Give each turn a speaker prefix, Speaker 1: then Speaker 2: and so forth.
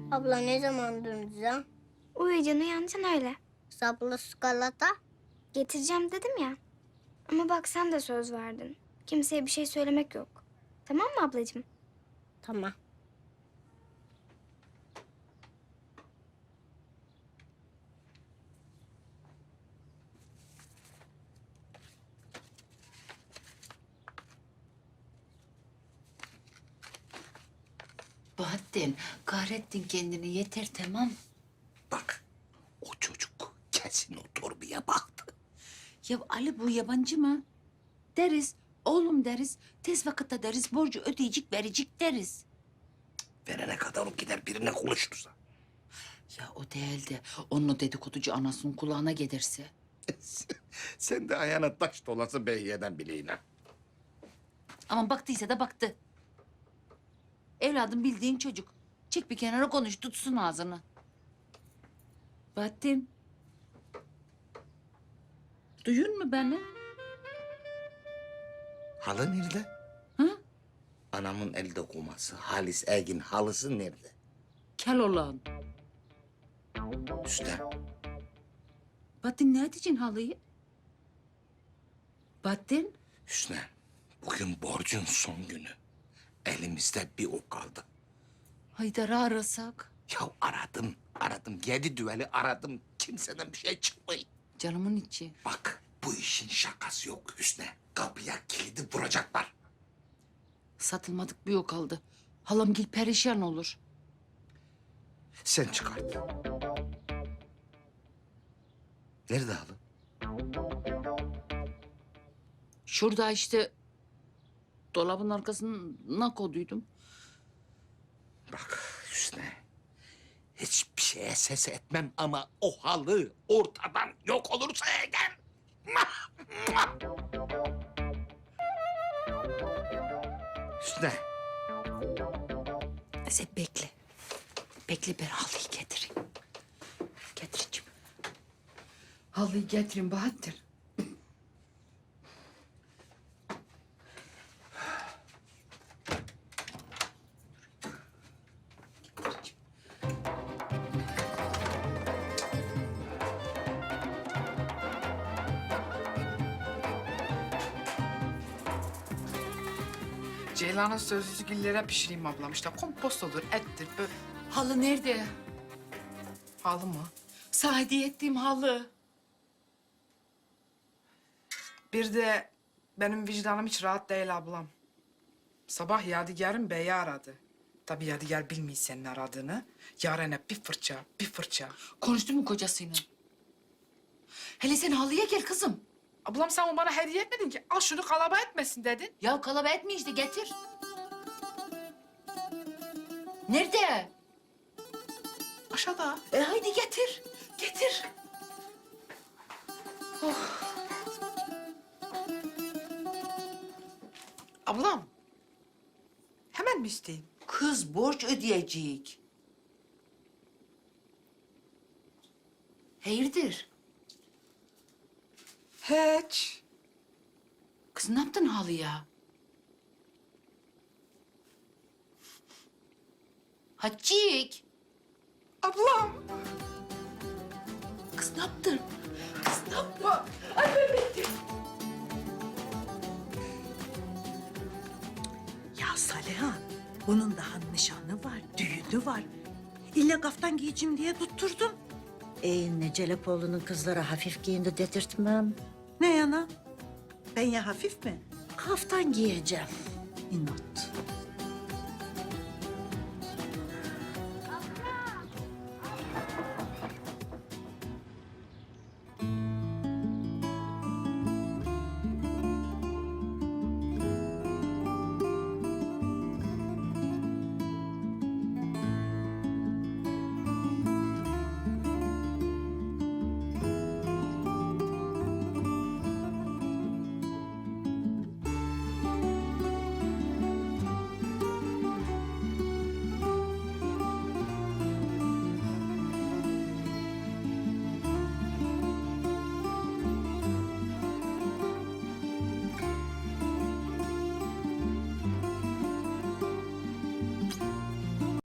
Speaker 1: Abla ne zaman döneceğim?
Speaker 2: Uyuyacaksın uyanacaksın öyle.
Speaker 1: Saplı skalata.
Speaker 2: Getireceğim dedim ya. Ama bak sen de söz verdin. Kimseye bir şey söylemek yok. Tamam mı ablacığım?
Speaker 1: Tamam.
Speaker 3: Bahattin, kahrettin kendini. Yeter, tamam.
Speaker 4: Bak, o çocuk kesin o torbaya baktı.
Speaker 3: Ya Ali bu yabancı mı? Deriz, oğlum deriz. Tez vakitte deriz, borcu ödeyecek, verecek deriz.
Speaker 4: Verene kadar o gider birine konuşursa.
Speaker 3: Ya o değil de onun o dedikoducu anasının kulağına gelirse.
Speaker 4: Sen de ayağına taş dolası Beyye'den bileğine.
Speaker 3: Ama baktıysa da baktı. Evladım bildiğin çocuk. Çek bir kenara konuş, tutsun ağzını. Bahattin. Duyun mu beni?
Speaker 4: Halı nerede?
Speaker 3: Hı?
Speaker 4: Anamın el dokuması, Halis Ergin halısı nerede?
Speaker 3: Kel olan.
Speaker 4: Üstte.
Speaker 3: Bahattin ne edeceksin halıyı? Bahattin.
Speaker 4: Hüsnü, bugün borcun son günü. Elimizde bir o kaldı.
Speaker 3: Haydar'ı arasak.
Speaker 4: Ya aradım. 7 düveli aradım. Kimseden bir şey çıkmıyor.
Speaker 3: Canımın içi.
Speaker 4: Bak, bu işin şakası yok Hüsnü. Kapıya kilidi vuracaklar.
Speaker 3: Satılmadık bir yok kaldı. Halamgil perişan olur.
Speaker 4: Sen çıkart. Nerede halı?
Speaker 3: Şurada işte dolabın arkasına koyduydum.
Speaker 4: Bak Hüsnü, hiçbir şeye ses etmem ama o halı ortadan yok olursa eğer... Hüsnü,
Speaker 3: Sen bekle. Bekle ben halıyı getireyim. Getireceğim. Halıyı getireyim Bahattin.
Speaker 5: Ceylan'ın sözlüsü güllere pişireyim ablam. İşte kompost olur, ettir, böyle.
Speaker 3: Halı nerede?
Speaker 5: Halı mı?
Speaker 3: Sana hediye ettiğim halı.
Speaker 5: Bir de benim vicdanım hiç rahat değil ablam. Sabah Yadigar'ın beyi aradı. Tabii Yadigar bilmiyor senin aradığını. Yaren'e bir fırça, bir fırça.
Speaker 3: Konuştun mu kocasıyla? Hele sen halıya gel kızım.
Speaker 5: Ablam sen onu bana hediye etmedin ki. Al şunu kalaba etmesin dedin.
Speaker 3: Ya kalaba etme işte getir. Nerede?
Speaker 5: Aşağıda.
Speaker 3: Haydi getir. Getir.
Speaker 5: Ablam. Hemen mi isteyeyim?
Speaker 3: Kız borç ödeyecek. Hayırdır?
Speaker 5: Hiç.
Speaker 3: Kız ne yaptın halıya? Hacik.
Speaker 5: Ablam.
Speaker 3: Kız ne yaptın? Kız ne yaptın?
Speaker 6: Ya Saliha, bunun daha nişanı var, düğünü var. İlla kaftan giyeceğim diye tutturdum.
Speaker 7: Ne Celepoğlu'nun kızları hafif giyindi dedirtmem.
Speaker 6: Ne yana? Ben ya hafif mi?
Speaker 7: Kaftan giyeceğim.
Speaker 6: İnat.